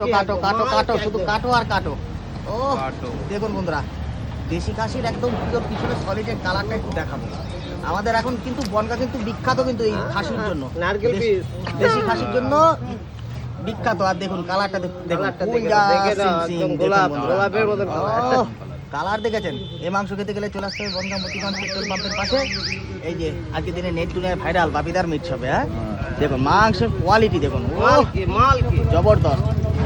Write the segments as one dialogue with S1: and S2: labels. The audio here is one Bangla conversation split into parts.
S1: কাটো কাটো কাটো শুধু কাটো আর কাটো। ও দেখুন বন্ধুরা, দেশি খাসির একদম পিওর পিছনে সলিডের কালারটা একটু দেখাবো। আমাদের এখন কিন্তু বনগাঁ কিন্তু বিখ্যাত কিন্তু এই খাসির জন্য,
S2: নারকেল পিস
S1: দেশি খাসির জন্য বিখ্যাত। আর দেখুন কালারটা
S2: গোলাপের মতো
S1: কালার দেখেছেন। এই মাংস খেতে গেলে চলে আসতে হবে বনগাঁ মতিগঞ্জ পেট্রোল পাম্পের পাশে। এই যে আজকে দিনে নেট দুনিয়ায় ভাইরাল বাপিদার মিট শপে। হ্যাঁ দেখুন মাংসের কোয়ালিটি দেখুন,
S2: মাল কি
S1: জবরদস্ত।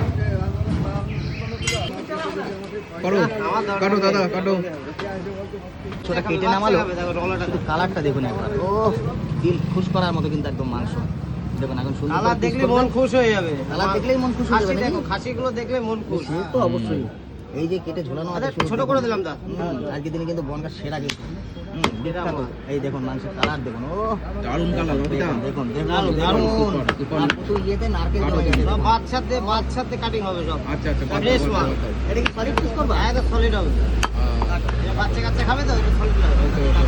S3: কাটো দাদা কাটো।
S1: ছোটা কেটে নামালো, শুধু কালারটা দেখুন একবার। ও দিল খুশ করার মতো কিন্তু একদম মাংস দেখুন। এখন সুন্দর
S2: কালার দেখলে মন খুশ হয়ে যাবে,
S1: কালার দেখলেই মন খুশ হয়ে যাবে।
S2: দেখো খাসিগুলো দেখলে মন খুশ।
S1: সে তো অবশ্যই। এই যে কেটে ঝোলানো আছে
S2: ছোট করে দিলাম দা।
S1: আজকে দিনে কিন্তু বনগাঁ সেরা কিন্তু বিখ্যাত। এই দেখুন মাংসের কালার দেখুন, ও
S3: দারুন কালার
S1: দেখুন
S2: দারুন,
S1: দেখুন। আর তুই ইয়েতে নারকেল দেওয়া যাবে।
S2: সব বাচ্চাতে কাটিং হবে সব।
S3: আচ্ছা আচ্ছা
S2: ফ্রেশ মাল।
S1: এটা কি সলিড পিস করবা?
S2: একদম সলিড হবে। বাচ্চা কাচ্চা খাবে তো এটা সলিড হবে।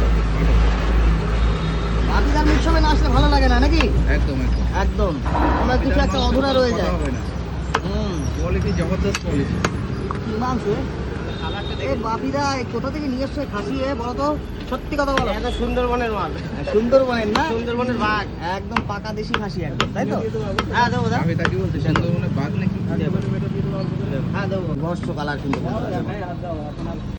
S1: বাপিদার মিট শপে না আসলে ভালো লাগে না নাকি?
S3: একদম একদম
S1: একদম আমরা কিছু একটা অধুরা রয়ে যায়।
S3: হবে না, কোয়ালিটি জবরদস্ত কোয়ালিটি।
S1: কি মাংস এ বাপিদা, কোথা থেকে নিয়ে এসছো খাসি বলো তো, সত্যি কথা বলো।
S2: এটা সুন্দরবনের মাল,
S1: সুন্দরবনের না?
S2: সুন্দরবনের বাঘ,
S1: একদম পাকা দেশি খাসি একদম, তাই তো?
S2: হ্যাঁ দেবো দা,
S3: আমি তাকে বলছি সুন্দরবনে বাঘ নাকি।
S2: হ্যাঁ দেবো।
S1: বর্ষ কালার কিন্তু